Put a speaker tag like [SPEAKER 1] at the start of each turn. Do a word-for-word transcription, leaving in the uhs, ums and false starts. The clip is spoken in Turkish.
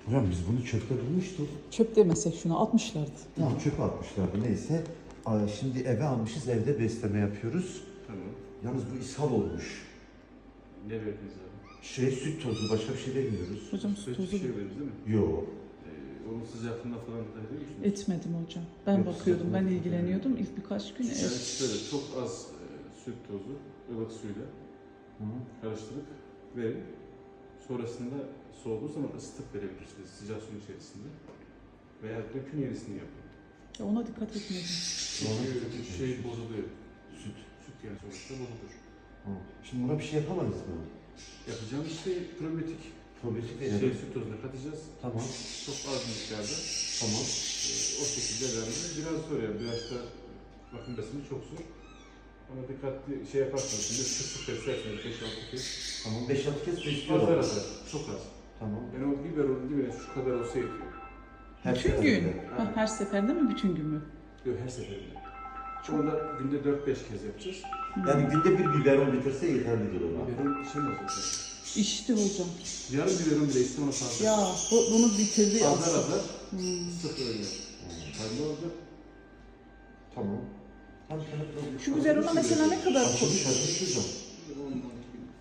[SPEAKER 1] Hocam biz bunu çöpte bulmuştuk.
[SPEAKER 2] Çöp demesek şunu atmışlardı.
[SPEAKER 1] Tamam çöpe atmışlardı neyse. Aa, şimdi eve almışız, evde besleme yapıyoruz.
[SPEAKER 3] Tamam.
[SPEAKER 1] Yalnız bu ishal olmuş.
[SPEAKER 3] Ne verdiniz abi?
[SPEAKER 1] Şey süt tozu, başka bir şey vermiyoruz.
[SPEAKER 2] Hocam
[SPEAKER 3] Süt
[SPEAKER 2] tozu
[SPEAKER 3] bir şey verdiniz değil mi?
[SPEAKER 1] Yok.
[SPEAKER 3] Ee, onun sıcaklığına falan dikkat ediyor musunuz?
[SPEAKER 2] etmedim hocam. Ben
[SPEAKER 1] Yok,
[SPEAKER 2] bakıyordum, ben
[SPEAKER 1] sıcak-
[SPEAKER 2] ilgileniyordum. İlk birkaç gün
[SPEAKER 3] Yani
[SPEAKER 2] evet.
[SPEAKER 3] şöyle çok az e, süt tozu ılık suyla
[SPEAKER 1] Hı.
[SPEAKER 3] karıştırıp verin. Sonrasında soğuduğu zaman ısıtıp verebilirsiniz sıcak suyun içerisinde. Veya dökün yenisini yapın.
[SPEAKER 2] Ya ona dikkat etmedim.
[SPEAKER 3] Çünkü şey bozuluyor.
[SPEAKER 1] Süt.
[SPEAKER 3] Süt yani sonuçta bozulur.
[SPEAKER 1] Hı. Şimdi buna bir şey yapamayız mı?
[SPEAKER 3] Yapacağımız şey probiyotik
[SPEAKER 1] Probiyotik
[SPEAKER 3] şey
[SPEAKER 1] verelim.
[SPEAKER 3] süt tozuna katacağız.
[SPEAKER 1] Tamam.
[SPEAKER 3] Çok az miktarda.
[SPEAKER 1] Tamam.
[SPEAKER 3] Ee, o şekilde vermemiz biraz zor yani. Biraz da bakım besimi çok zor. Ama dikkatli şey yaparsanız şimdi sık sık beslerseniz beş altı kez.
[SPEAKER 1] Tamam. beş altı kez
[SPEAKER 3] Azar
[SPEAKER 1] besliyorlar.
[SPEAKER 3] azar. Çok az.
[SPEAKER 1] Tamam.
[SPEAKER 3] Yani o biberonun dibine şu kadar olsa yetiyor.
[SPEAKER 1] Her
[SPEAKER 2] Bütün
[SPEAKER 1] seferinde.
[SPEAKER 2] gün. Ha, her seferde mi, bütün gün mü?
[SPEAKER 3] Yok her seferinde. Onu da günde dört beş kez yapacağız.
[SPEAKER 1] Yani günde bir biberon bitirse yeterlidir ona.
[SPEAKER 3] Biberon şey nasıl olacak?
[SPEAKER 2] İşte hocam.
[SPEAKER 3] Yarım biberon bile iste ona fazla.
[SPEAKER 2] Ya bu, bunu bitirdi
[SPEAKER 3] Azar
[SPEAKER 2] aslında.
[SPEAKER 3] azar
[SPEAKER 2] Hmm.
[SPEAKER 3] sık öyle. Fayda olacak.
[SPEAKER 1] Tamam. Tamam.
[SPEAKER 2] Şu biberona mesela ne kadar
[SPEAKER 1] Açılmış açılmış hocam.
[SPEAKER 3] On